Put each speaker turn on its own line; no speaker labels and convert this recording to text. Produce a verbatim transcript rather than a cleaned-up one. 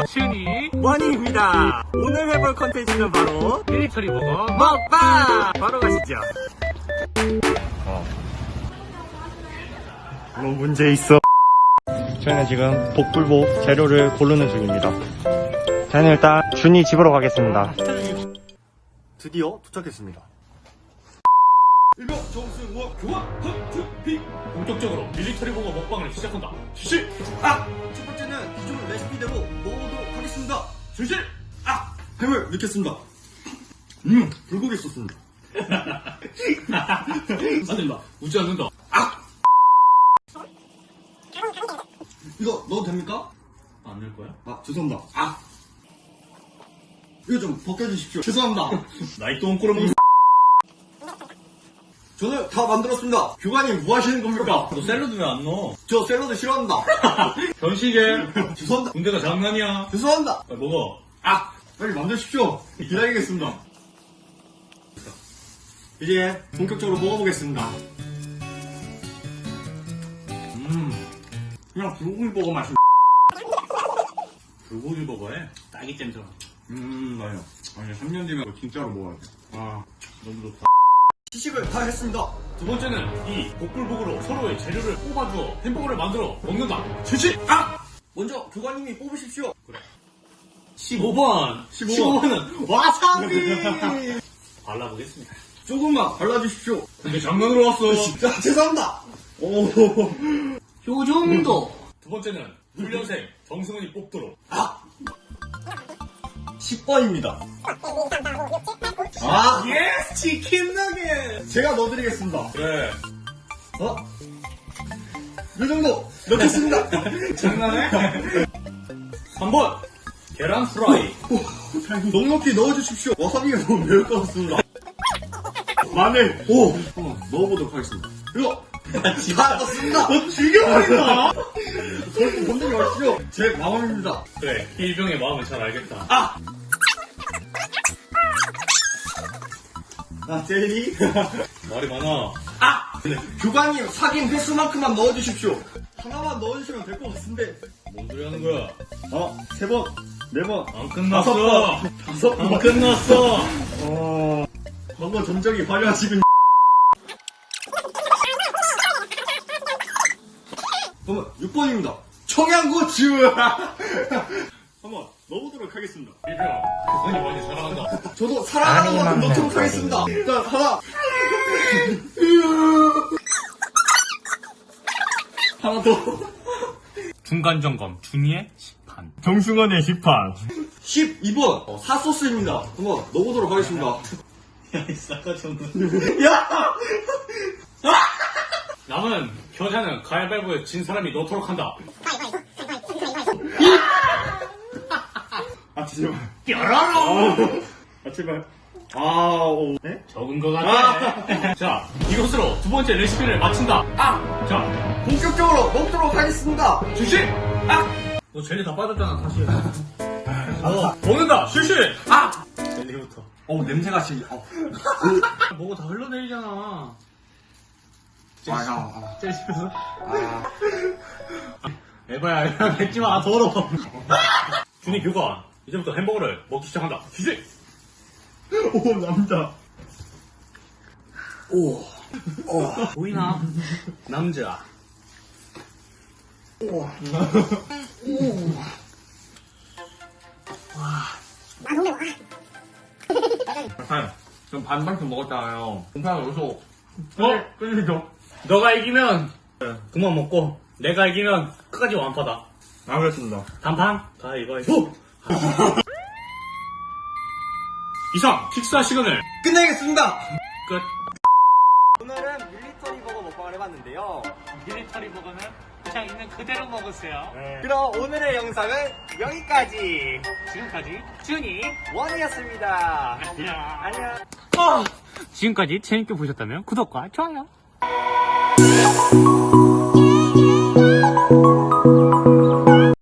춘이
원희입니다. 오늘 해볼 컨텐츠는 바로
밀리터리 버거
먹방! 바로 가시죠. 어. 뭐 문제 있어. 저희는 지금 복불복 재료를 고르는 중입니다. 저는 일단 준이 집으로 가겠습니다. 드디어 도착했습니다.
일명 정승원 교환 헌트픽 본격적으로 밀리터리 버거 먹방을 시작한다. 실시!
아! 첫 번째는 기존 레시피대로 먹어보도록 하겠습니다.
실시!
아! 햄을 넣겠습니다. 음! 불고기 소스입니다.
안 된다. 웃지 않는다.
아! 이거 넣어도 됩니까?
안 낼 거야?
아, 죄송합니다. 아! 이거 좀 벗겨주십시오. 죄송합니다.
나이 똥 꼬라먹는
저는 다 만들었습니다. 교관님 뭐 하시는 겁니까?
너 샐러드 왜 안 넣어?
저 샐러드 싫어합니다.
현식에
죄송합니다.
군대가 장난이야.
죄송합니다.
빨리 먹어.
아! 빨리 만드십시오. 기다리겠습니다. 이제 본격적으로 먹어보겠습니다. 음, 그냥 불고기 버거 맛이.
불고기 버거에 딸기잼 들어가.
음, 맞아요. 아니, 삼 년 뒤면 진짜로 먹어야 돼.
아, 너무 좋다.
시식을 다 했습니다.
두 번째는 이 복불복으로 서로의 재료를 뽑아주어 햄버거를 만들어 먹는다. 실시! 아!
먼저 교관님이 뽑으십시오.
십오 번.
십오 번.
번은
와사비!
발라보겠습니다.
조금만 발라주십시오.
근데 장난으로 왔어.
진짜 죄송합니다. 오,
요 정도. 두 번째는 훈련생 정승훈이 뽑도록.
아! 십 번입니다. 아!
예스! 치킨 너겟!
제가 넣어드리겠습니다.
그래.
어? 이 정도 넣겠습니다.
장난해? 삼 번. 계란 프라이.
넉넉히 넣어주십시오. 와사비가 너무 매울 것 같습니다. 마늘. 오! 한번 넣어보도록 하겠습니다. 이거! 다 넣습니다.
너 죽여버린다!
저렇게 본적이 없죠? 제 마음입니다.
그래, 일병의 마음은 잘 알겠다.
아! 아, 제리.
말이 많아.
아! 네. 교관님 사귄 횟수만큼만 넣어주십시오. 하나만 넣어주시면 될 것 같은데.
뭔 소리 하는 거야?
어, 세 번, 네 번,
안
다섯
끝났어.
번, 다섯
안
번.
끝났어.
어, 너무 점적이 화려하시군. 그러면 육 번입니다. 청양고추! 한번 넣어보도록 하겠습니다.
일병, 그분이 많이 사랑한다.
저도 사랑하는 만큼 넣도록 하겠습니다. 일단 하나. 하나 더.
중간 점검, 준이의 시판.
정승원의 식판. 십이 번. 어, 사소스입니다. 한번 넣어보도록 하겠습니다.
야, 이 싸가지 없는.
야!
남은 겨자는 가위바위보에 진 사람이 넣도록 한다.
아, 제발.
뾰로롱!
아, 제발. 아, 오. 네?
적은 것 같아. 자, 이것으로 두 번째 레시피를 마친다. 아! 자,
본격적으로 먹도록 하겠습니다.
실시! 아! 너 젤리 다 빠졌잖아, 다시. 어, 먹는다! 실시! 아! 젤리부터.
어, 냄새가 지금, 어.
뭐가 다 흘러내리잖아.
아, 아,
젤리 씹어서?
아.
에바야, 이거 뱉지 마, 더러워. 준이 교관, 이제부터 햄버거를 먹기 시작한다. 실시!
오, 남자.
오. 오. 보이나? 남자.
오.
한, 전 반반씩 먹었잖아요. 공파가 여기서
어?
끊이죠?
너가 이기면 그만 먹고 내가 이기면 끝까지 완파다.
알겠습니다.
단판? 다 이거 해서 이상 식사 시간을
끝내겠습니다.
끝.
오늘은 밀리터리 버거 먹방을 해봤는데요.
밀리터리 버거는 그냥 있는 그대로 먹으세요.
그럼 오늘의 영상은 여기까지.
지금까지 준이
원이었습니다.
안녕.
안녕.
지금까지 재밌게 보셨다면 구독과 좋아요.